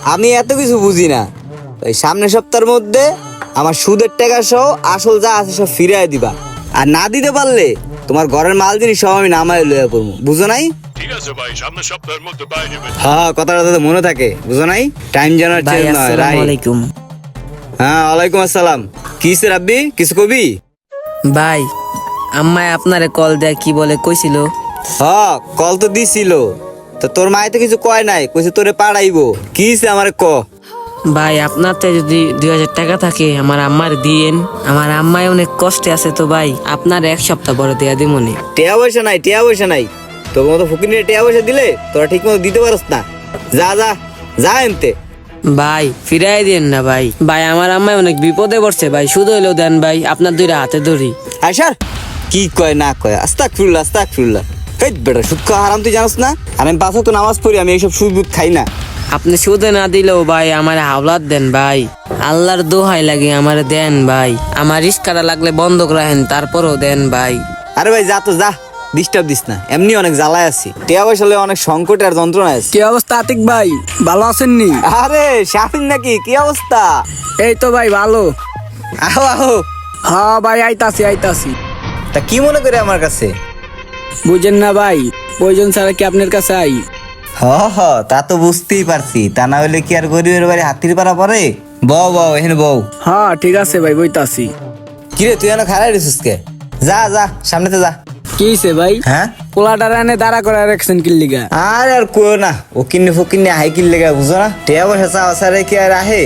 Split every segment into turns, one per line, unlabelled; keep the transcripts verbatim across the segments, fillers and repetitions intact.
আমি এত কিছু বুঝি না। ওই সামনের সপ্তাহের মধ্যে আমার সুদের টাকা সহ আসল যা আছে সব ফিরিয়ে দিবা। আর না দিতে পারলে তোমার ঘরের মাল জিনিস সব আমি নামায় লইয়া করবো, বুঝো নাই?
ঠিক আছে ভাই, সামনের সপ্তাহের মধ্যে পাই নেবেন।
হ্যাঁ, কথাটা যাতে মনে থাকে, বুঝো নাই? টাইম জানার
ভাই
চেঞ্জ নয়।
আসসালামু
রাইট।
আলাইকুম।
হ্যাঁ, ওয়ালাইকুম আসসালাম। কিসে রাব্বি, কিছু কবি?
ভাই আম্মায় আপনারে কল দেয় কি বলে কইছিল?
হ্যাঁ, কল তো দিছিল। তো তোর মায়ে তো কিছু কয় নাই, কইছে তোরে পাড়াইবো। কিসে আমারে ক।
ভাই আপনারতে যদি দুই হাজার টাকা থাকে আমার আম্মার দিয়েন। আমার আম্মায় অনেক কষ্টে আছে তো ভাই, আপনার এক সপ্তাহ পরে দেয়া দিমনি।
টেয়া পয়সা নাই, টেয়া পয়সা নাই। তোর মতো ফকিনের টেয়া পয়সা দিলে তোরা ঠিক মতো দিতে পারস না। যা যা যা এনতে।
ভাই ফিরাই দেন না ভাই। ভাই আমার আম্মায় অনেক বিপদে পড়ছে ভাই, শুধু হইলেও দেন ভাই, আপনার দুইটা হাতে ধরি।
আইসার কি কয় না কয়, আস্তাগফিরুল্লাহ আস্তাগফিরুল্লাহ। হেই বেটা, সুদ খাওয়া হারাম তুই জানোস না? আর আমি পাঁচ ওয়াক্ত নামাজ পড়ি, আমি এইসব সুদ বুদ খাই না।
আপনি শুধু না দিলেও ভাই আমার হাওলাত দেন ভাই, আল্লাহর দোহাই লাগে আমার দেন ভাই। আমার রিস্কাটা লাগলে বন্ধক রাখেন, তারপরও দেন ভাই।
আরে ভাই যা তো যা, ডিস্টার্ব দিস না। এমনি অনেক জ্বালায় আছি, টেয়া পয়সা লইয়া অনেক সংকটে আর যন্ত্রণায় আছি।
কি অবস্থা আতিক ভাই, ভালো আছেননি?
আরে শাহিন নাকি, কি অবস্থা?
এই তো ভাই ভালো।
আহো আহো।
হ্যাঁ ভাই আইতাছি আইতাছি।
তা কি মনে করে আমার কাছে?
বুঝেন না ভাই, প্রয়োজন ছাড়া কি আপনার কাছে আই?
হ হ, তা তো বুঝতেই পারছি। তা না হলে কি আর গরিবের বাড়ি হাতির পাড়া পরে? বউ বউ এখানে বউ।
হ্যাঁ ঠিক আছে ভাই, বইতাছি।
কিরে তুই এনে খারাই রেছিস কে? যা যা সামনেতে যা।
কি হইছে ভাই?
হ্যাঁ,
পোলাটার এনে দাঁড়া করে রাখছেন কি লিগা?
আর আর কইও না, ও কিন্নি ফকিন্নি হাই কিল লেগে, বুঝো না? টেয়া পয়সা চাওয়া সারে কি আর আহে?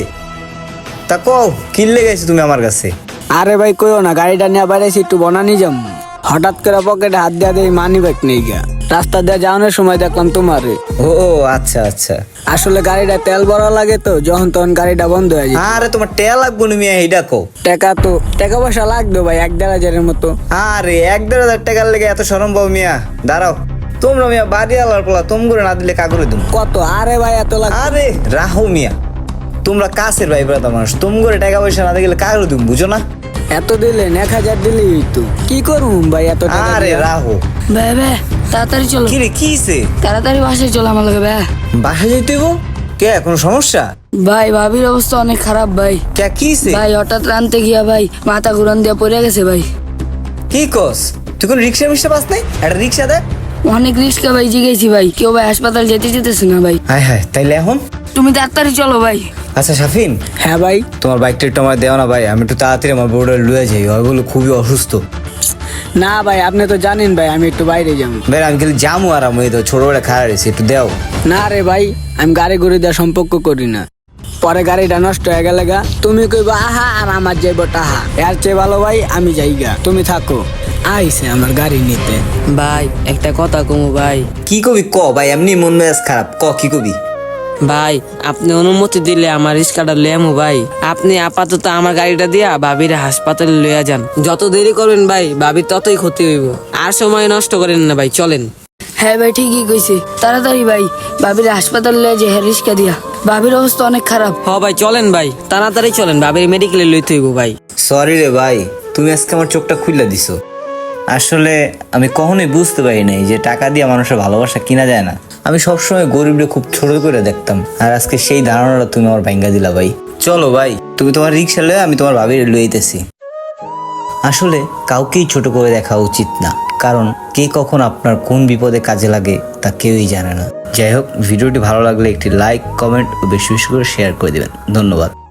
তা কও কিল লেগেছি তুমি আমার কাছে?
আরে ভাই কইও না, গাড়িটা নিয়ে বাইরেছি একটু বনানি যাম। হঠাৎ করে পকেটে হাত দিয়া দেই, মানি ব্যাগ নেই গা। রাস্তা দিয়ে যাওয়ানোর সময় দেখলাম তোমারে।
ও ও, আচ্ছা আচ্ছা।
আসলে গাড়িটা তেল ভরা লাগে তো, যখন তখন গাড়িটা বন্ধ হয়ে যায়।
আরে তোমার টেয়া লাগবো না মিয়া, এইটা কও।
টাকা তো টাকা পয়সা লাগবে ভাই, এক দেড় হাজারের মতো।
আরে এক দেড় হাজার টাকার লেগে এত সরম পাও মিয়া? দাঁড়াও, তোমরা মিয়া বাড়ি আলার পোলা, তোম করে না দিলে কাগরে তুমি।
কত? আরে ভাই এত লাগ।
আরে রাহো মিয়া, তোমরা কাছের ভাই ব্রাদার মানুষ, তোম করে টাকা পয়সা না দিলে কাগরে তুমি, বুঝো না?
এত দিলেন, এক হাজার দিলেই তো কি করুম ভাই এত টাকা
আরে
দিয়া?
রাহো।
বে বে তাড়াতাড়ি চলো,
কিরে কিছে?
তাড়াতাড়ি বাসায় চলো আমার লগে বে।
বাসা যেতে হইব? কে, কোনো সমস্যা?
ভাই ভাবির অবস্থা অনেক খারাপ ভাই।
কে কিছে?
ভাই হঠাৎ রানতে গিয়া ভাই মাথা ঘুরান দিয়া পড়ে গেছে ভাই।
কি কস? তুই কোন রিক্সা মিক্সা পাস নাই? একটা রিক্সা দে।
অনেক রিস্কা ভাই জিগেছি ভাই, কেউ ভাই হাসপাতাল যেতে যেতেছে না ভাই।
হায় হায়, তাইলে এখন?
তুমি তাড়াতাড়ি চলো ভাই।
আচ্ছা শাফিন,
হ্যাঁ ভাই।
তোমার বাইকটা একটু আমার দেও না ভাই, আমি একটু তাড়াতাড়ি আমার বউটা লুয়ে যাই, ওইগুলো খুবই অসুস্থ।
না ভাই, আপনি তো জানেন ভাই আমি একটু বাইরে যাবো।
ভাই আমি খালি জামু আর আমি তো ছোটবেলা খারাপ রয়েছি, একটু দেও।
না রে ভাই, আমি গাড়ি ঘুরে দেওয়ার সম্পর্ক করি না। পরে গাড়িটা নষ্ট হয়ে গেলে গা তুমি কইবা আহা, আর আমার যাইব টাহা। এর চেয়ে ভালো ভাই আমি যাইগা, তুমি থাকো। আইছে আমার গাড়ি নিতে।
ভাই একটা কথা কমু ভাই।
কি কবি ক ভাই, এমনি মন মেজাজ খারাপ, ক কি কবি?
ভাই আপনি অনুমতি দিলে আমার রিস্কাটা লেমু ভাই। আপনি আপাতত আমার গাড়িটা দিয়া ভাবিরে হাসপাতালে লইয়া যান। যত দেরি করবেন ভাই ভাবির ততই ক্ষতি হইব। আর সময় নষ্ট করেন না ভাই, চলেন।
হ্যাঁ ভাই ঠিকই কইছে, তাড়াতাড়ি ভাই ভাবির হাসপাতাল লয়ে যে রিস্কা দিয়া। ভাবির অবস্থা অনেক খারাপ।
হ ভাই চলেন ভাই, তাড়াতাড়ি চলেন, ভাবির মেডিকেলে লইতে হইব ভাই।
সরি রে ভাই, তুমি আজকে আমার চোখটা খুলে দিছো। আসলে আমি কখনোই বুঝতে পারি নাই যে টাকা দিয়ে মানুষের ভালোবাসা কিনা যায় না। আমি সবসময় গরিবরে খুব ছোট করে দেখতাম, আর আজকে সেই ধারণাটা তুমি আমার ভাঙ্গা দিলা ভাই। চলো ভাই, তুমি তোমার রিক্সা লয়ে, আমি তোমার ভাবির লইতেছি। আসলে কাউকেই ছোট করে দেখা উচিত না, কারণ কে কখন আপনার কোন বিপদে কাজে লাগে তা কেউই জানে না। যাই হোক, ভিডিওটি ভালো লাগলে একটি লাইক, কমেন্ট ও বেশি বেশি করে শেয়ার করে দেবেন। ধন্যবাদ।